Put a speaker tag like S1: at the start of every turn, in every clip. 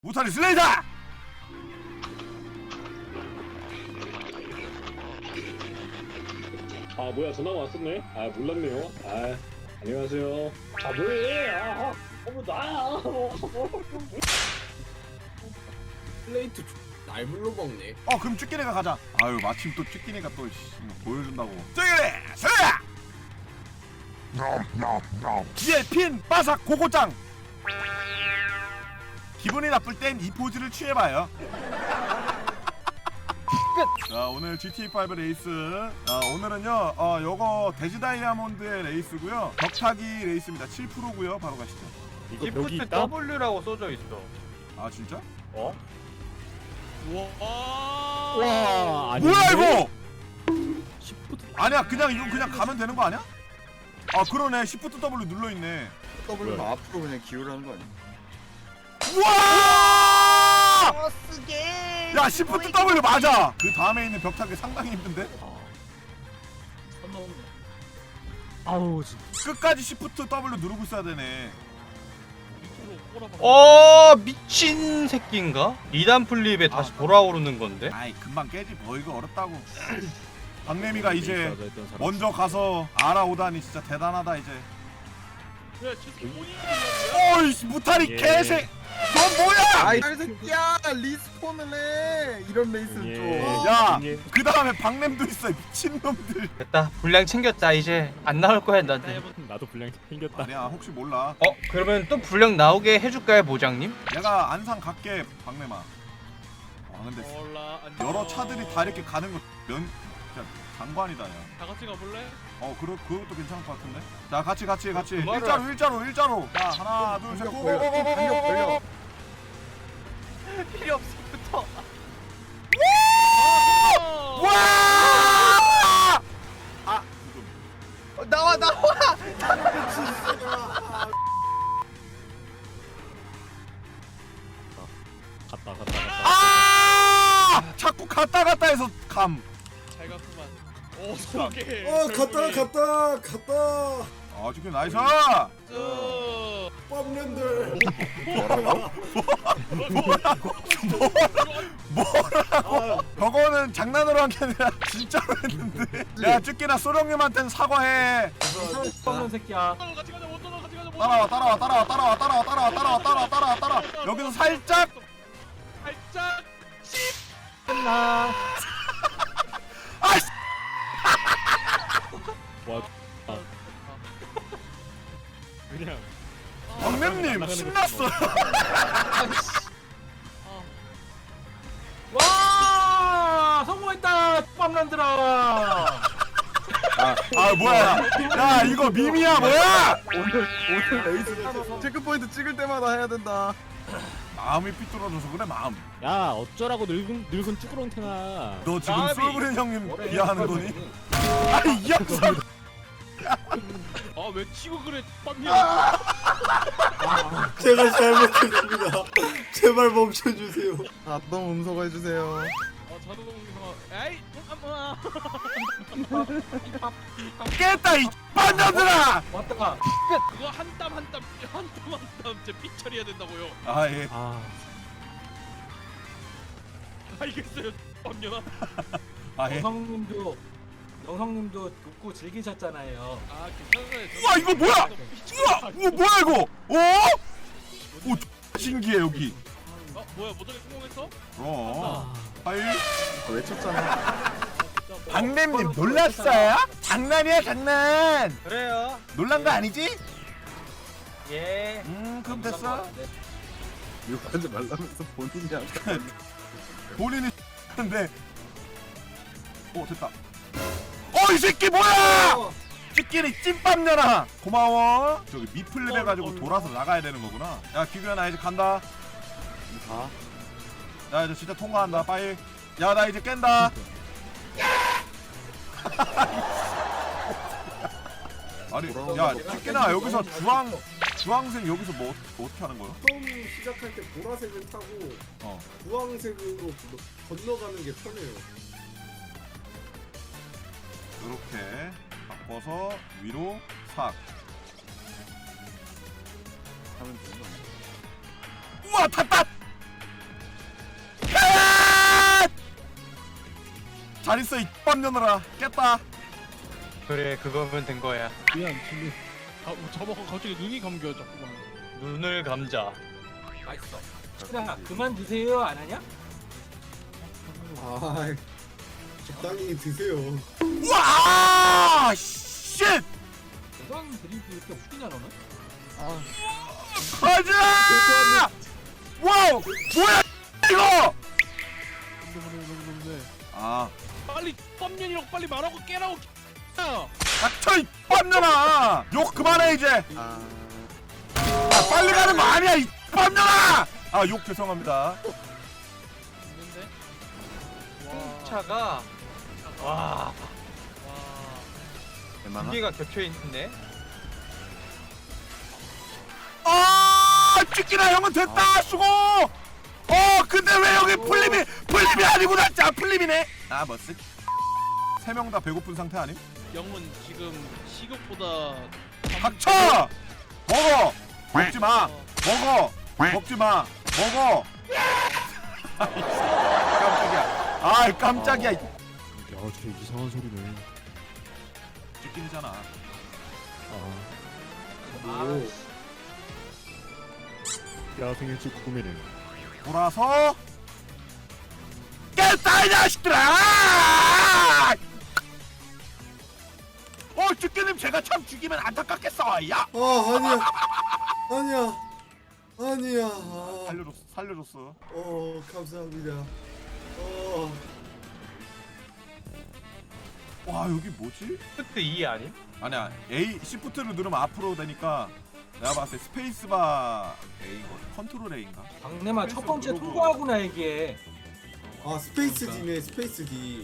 S1: 무탈리 슬레이터!
S2: 아 뭐야 전화가 왔었네? 아 몰랐네요. 아 안녕하세요. 아 뭐해? 뭐 나야.
S3: 플레이트 날물로 먹네.
S1: 그럼 쭈끼네가 가자. 아유 마침 또 쭈끼네가 또 보여준다고. 쭈끼네 슬레이터! 뒤에 핀 바삭 고고짱. 기분이 나쁠 땐 이 포즈를 취해봐요. 자 오늘 GTA5 레이스. 오늘은요 요거 데지 다이아몬드의 레이스고요. 벽타기 레이스입니다. 7%고요. 바로 가시죠.
S2: 이거 벽이
S4: 시프트
S2: 있다?
S4: W라고 써져 있어.
S1: 아 진짜?
S4: 어?
S2: 와 아닌데?
S1: 뭐야 이거?
S2: 시프트
S1: 아니야 그냥 이거 그냥 가면 되는 거 아니야? 아 그러네. Shift W 눌러있네.
S3: W는
S2: 뭐야?
S3: 앞으로 그냥 기울하는 거 아니야?
S1: 우와!
S5: 쓰게.
S1: 야 Shift W 맞아. 그 다음에 있는 벽타기 상당히 힘든데?
S2: 아우 진짜
S1: 끝까지 Shift W 누르고 있어야 되네.
S4: 미친 새끼인가? 2단 플립에 다시 돌아오르는 건데?
S1: 아이 금방 깨지 뭐 이거 어렵다고. 박래미가 이제
S2: 맞아 했던 사람.
S1: 먼저 가서 알아오다니 진짜 대단하다 이제. 어이씨 무탈이
S2: 예.
S1: 개새. 넌 뭐야?
S3: 아이 새끼야 리스폰을 해. 이런 레이스는
S2: 예.
S3: 좀.
S1: 야!
S2: 예.
S1: 그 다음에 박램도 있어 미친놈들.
S4: 됐다, 분량 챙겼다. 이제 안 나올 거야 나한테.
S2: 나도 분량 생겼다.
S1: 아니야 혹시 몰라.
S4: 그러면 또 분량 나오게 해줄까요, 보장님?
S1: 내가 안상 갈게 박래마. 근데 여러 차들이 다 이렇게 가는 거 진짜 장관이다 야.
S6: 다 같이 가볼래?
S1: 그것도 괜찮을 것 같은데. 자 같이
S4: 그거를-
S1: 일자로. 자 하나 둘 셋
S3: 공격 걸려.
S4: 필요 없어, 붙어.
S1: 와!
S3: 나와.
S2: 갔다.
S1: 자꾸 갔다 해서 감.
S6: 잘 갔구만. 오, 소개.
S3: 갔다.
S1: 지금 나이스.
S3: 뻔랜들.
S1: 저거는 장난으로 한 게 아니라 진짜로 했는데. 야 쭈끼나 소령님한테는 사과해.
S4: 뻔한 새끼야.
S6: 같이 가자. 원더너 같이 가자.
S1: 따라와. 여기서 살짝.
S6: 살짝.
S4: 끝나.
S1: 아이씨.
S2: 와. 그냥
S1: 박램님 신났어요.
S4: 와, 성공했다, 빰란들아.
S1: 뭐야? 야 이거 밈이야 뭐야?
S3: 오늘 레이스 체크포인트 찍을 때마다 해야 된다.
S1: 마음이 삐뚤어져서 그래 마음.
S2: 야 어쩌라고 늙은 쭈꾸렁탱아.
S1: 너 지금
S4: 나비.
S1: 솔브린 형님 비하하는 거니? 아니 이 양반.
S6: 왜 치고 그래? 빰이야.
S7: 제가 잘못했습니다. 제발 멈춰주세요.
S3: 자동 음소거 해주세요.
S6: 자동차. 에이,
S1: 깼다 이 반장들아.
S4: 왔다가
S6: 그거 한 땀 진짜 삐 처리해야 된다고요.
S1: 예.
S6: 알겠어요. 빰녀나.
S1: 예.
S8: 영성님도 돕고 즐기셨잖아요.
S6: 괜찮아요.
S1: 우와 이거 뭐야? 우와 뭐야 이거? 오 신기해 여기.
S6: 뭐야? 모델이 성공했어?
S1: 하이.
S3: 외쳤잖아.
S1: 박램님 놀랐어요? 장난이야 장난.
S4: 그래요.
S1: 놀란 거 아니지?
S4: 예.
S1: 그럼 됐어.
S3: 이거 하지 말라면서 본인이 아까.
S1: 본인이 근데 됐다. 이 새끼 뭐야? 찌끼리 찐빵녀라. 고마워. 저기 미플랩 해가지고 돌아서 나가야 되는 거구나. 야 기규야 나 이제 간다. 야 이제 진짜 통과한다. 빠이. 야 나 이제 깬다. 아니 야 찌끼나 여기서 주황색 여기서 뭐 어떻게 하는 거야?
S7: 처음 시작할 때 보라색을 타고 주황색으로 건너가는 게 편해요.
S1: 이렇게 바꿔서 위로 삭.
S3: 하면 되는 거 아니야?
S1: 우와 탔다. 잘 있어 이 뻔년들아. 깼다.
S4: 그래 그거면 된 거야.
S6: 미안 진리. 저보고 갑자기 눈이 감겨 자꾸만.
S4: 눈을 감자.
S8: 맛있어. 야 그만 드세요 안 하냐?
S7: 아, 적당히 드세요.
S1: 와 쉣.
S8: 대강 드링크 이렇게 웃기냐 너는?
S1: 가자. 와우 뭐야 이거. 아
S6: 빨리 뻔년이라고 빨리 말하고 깨라고. 야.
S1: 닥쳐 이 뻔년아. 욕 그만해 이제. 아 빨리 가는 거 아니야 이 뻔년아. 아 욕 죄송합니다.
S6: 있는데.
S4: 차가 와
S1: 웬만하?
S4: 두 개가 겹쳐 있네.
S1: 아 찍기나 형은 됐다 수고. 근데 왜 여기 풀림이 아니구나. 자 풀림이네. 아 뭐쓰? 세 명 다 배고픈 상태 아님?
S6: 영은 지금 식욕보다
S1: 닥쳐! 먹어! 먹지 마! 먹어! 먹지 마! 먹어! 깜짝이야. 아이 깜짝이야.
S3: 야, 저 이상한 소리네.
S1: 찍긴이잖아.
S7: 오,
S3: 야, 생일 축구미네.
S1: 돌아서 깼다 이 자식들아! 죽기님 제가 참 죽이면 안타깝겠어. 야!
S7: 아니야.
S1: 살려줬어.
S7: 감사합니다.
S1: 와 여기 뭐지?
S4: 시프트 2 아님?
S1: 아니야 A 시프트를 누르면 앞으로 되니까 내가 봤을 때 스페이스바 A거 컨트롤 A인가?
S8: 박내마 첫 번째 통과하구나 이게.
S7: 아, 스페이스 D네, 스페이스 D.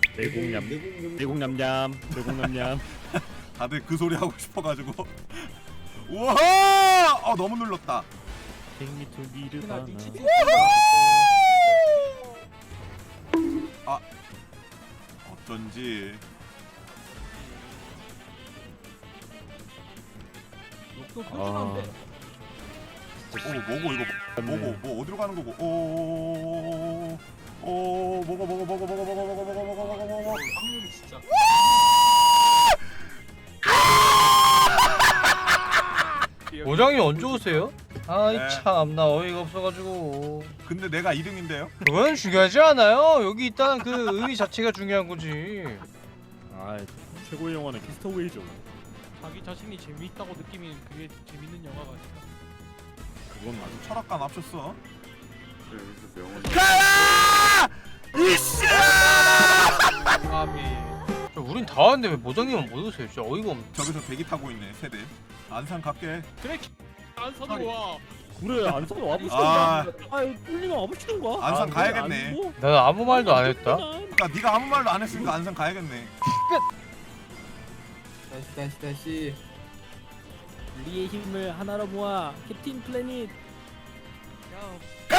S3: 내공냠냠.
S1: 다들 그 소리 하고 싶어가지고. 우와! 너무 눌렀다.
S3: 생미투
S8: 나
S3: 니르바나.
S8: 니치
S1: 어쩐지.
S8: 욕도 표준한데.
S1: 뭐고 이거 뭐고 뭐 어디로 가는 거고? 먹어.
S8: 확률이 진짜.
S4: 모장님 언제 오세요? 아이
S1: 네.
S4: 참 나 어이가 없어가지고.
S1: 근데 내가 2등인데요?
S4: 그건 중요하지 않아요. 여기 있다는 그 의미 자체가 중요한 거지.
S3: 아, 최고의 영화는 키스터웨이죠.
S6: 자기 자신이 재미있다고 느끼면 그게 재밌는 영화가 아닐까.
S3: 그건 맞아.
S1: 철학과 납쳤어.
S7: 여기서 명언.
S1: 가라! 이씨!
S4: 아미. 우린 다 왔는데 왜 모장님은 못 오세요? 진짜 어이가 없네.
S1: 저기서 대기 타고 있네 세대. 안산 갈게.
S6: 그래 안 사도 와.
S3: 그래, 안 써도 와보시던가.
S1: 아,
S3: 아이, 뚫리면 와보시던가.
S1: 안산 가야겠네.
S4: 나는 아무 말도 안 했다.
S1: 그러니까 네가 아무 말도 안 했으니까 안산 가야겠네.
S7: 다시.
S5: 우리의 힘을 하나로 모아 캡틴 플래닛.
S1: 가!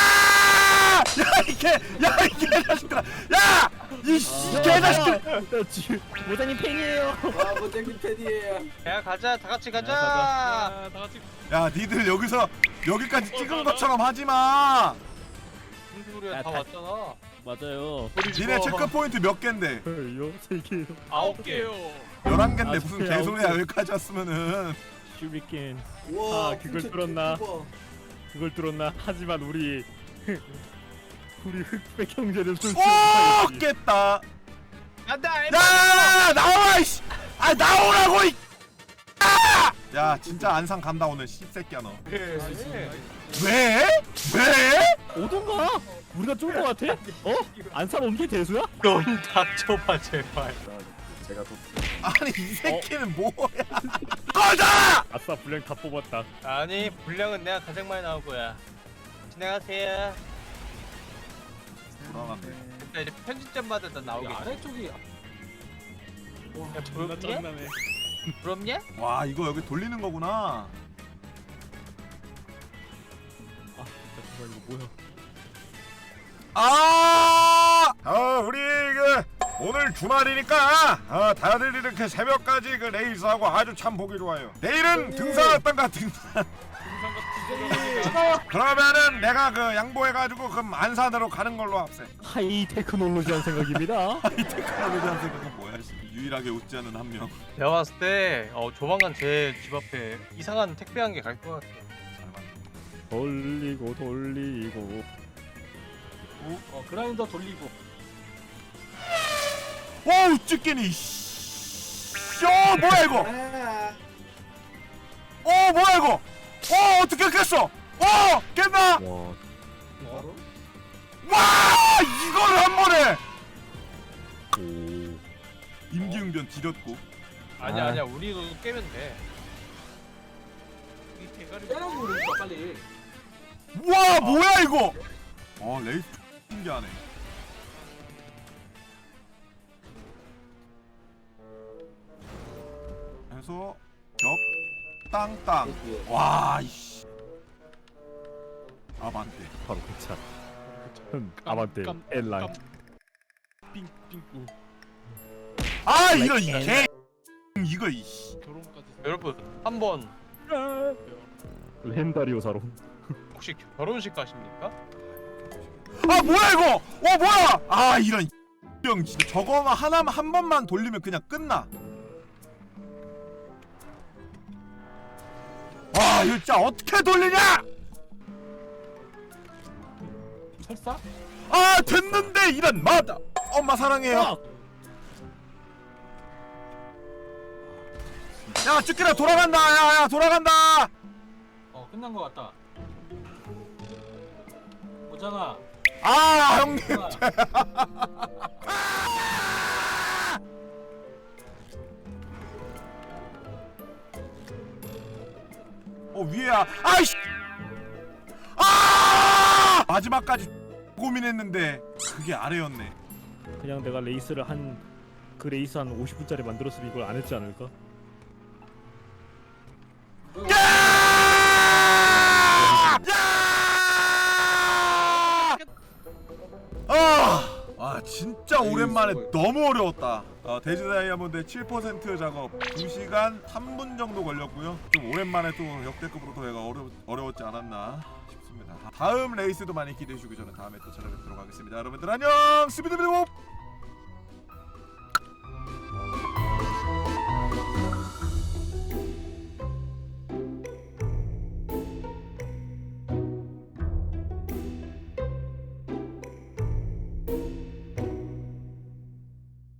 S1: 야 이 개자식들아! 야! 이 개자식들!
S5: 모자님 팬이에요.
S7: 모장님 팬이에요.
S4: 야 가자 다 같이 가자.
S6: 다 같이
S1: 야 니들 여기까지 찍은 것처럼 하지 마.
S4: 무슨 소리야
S5: 야,
S4: 다
S5: 다-
S4: 왔잖아.
S3: 맞아요.
S1: 니네 체크 포인트 몇 갠데?
S3: 요, 3개요.
S6: 9개요.
S1: 11갠데
S3: 아,
S1: 무슨
S3: 진짜요?
S1: 개소리야 여기까지 왔으면은.
S3: 슈리켄.
S7: 와,
S3: 아, 그걸 뚫었나? 그걸 뚫었나? 하지만 우리 흑백 형제는 손
S1: 오 깼다.
S4: 간다.
S1: 야 나와 이씨. 아 나오라고 이. 아! 야 진짜 안산 간다 오늘 씹새끼야 너.
S4: 그래.
S1: 왜?
S3: 오던가? 우리가 쫄 것 같아? 안산 옮기 대수야?
S4: 넌 닥쳐봐 제발.
S7: 제가 또
S1: 아니 이 새끼는 뭐야? 꺼져!
S3: 아싸, 분량 다 뽑았다.
S4: 아니 분량은 내가 가장 많이 나올 거야. 지나가세요.
S1: 돌아갔네.
S4: 나 이제 편집점마다 다
S8: 이
S4: 나오겠지.
S8: 아래쪽이
S4: 야,
S6: 존나
S4: 부럽냐?
S6: 짜증나네.
S4: 부럽냐?
S1: 와 이거 여기 돌리는 거구나.
S3: 잠깐만, 이거 뭐야?
S1: 우리 오늘 주말이니까 다들 이렇게 새벽까지 레이스하고 아주 참 보기 좋아요. 내일은 등산 어떤가 등산.
S6: 등산 같은
S1: 그러면은 내가 그 양보해가지고 그럼 안산으로 가는 걸로 합세.
S3: 하이 테크놀로지한 생각입니다.
S1: 테크놀로지 한 생각은 뭐야? 씨. 유일하게 웃지 않은 한 명.
S4: 내가 봤을 때 조만간 제 집 앞에 이상한 택배 한 개 갈 것 같아.
S3: 돌리고 돌리고.
S8: 그라인더 돌리고.
S1: 오우 찌끼니. 뭐야 이거? 뭐야 이거? 어떻게 깼어? 깼나?
S3: 와.
S1: 와 이거를 한 번에.
S3: 오.
S1: 임기응변 지렸고.
S4: 아니야 아니야 우리도 깨면 돼.
S6: 이 대가리
S8: 빼라고 그러니까 빨리.
S1: 와 뭐야 이거? 레이스 신기하네. 해서 겹 땅땅. 와 이씨. 아반떼.
S3: 바로 그 차. 아반떼 엘라인.
S6: 삥삥
S1: 이거 개. 이거 이씨.
S6: 결혼까지
S4: 여러분 한번
S3: 렌다리오 사로.
S4: 혹시 결혼식 가십니까?
S1: 뭐야 이거? 뭐야? 이런 형 진짜 저거만 하나만 한 번만 돌리면 그냥 끝나. 이거 진짜 어떻게 돌리냐?
S8: 설사?
S1: 됐는데 이런 마다. 엄마 사랑해요. 야 쭈끼라 돌아간다. 야 돌아간다.
S8: 끝난 거 같다. 오잖아.
S1: 형님. 위에야. 아이씨. 마지막까지 고민했는데 그게 아래였네.
S3: 그냥 내가 레이스를 그 레이스 한 50분짜리 만들었으면 이걸 안 했지 않을까? 진짜 오랜만에 너무 어려웠다. 데지 다이아몬드 7% 작업 2시간 3분 정도 걸렸고요. 좀 오랜만에 또 역대급으로 더 얘가 어려웠지 않았나 싶습니다. 다음 레이스도 많이 기대해 주시고 저는 다음에 또 찾아뵙도록 하겠습니다. 여러분들 안녕. 스비드비드봅.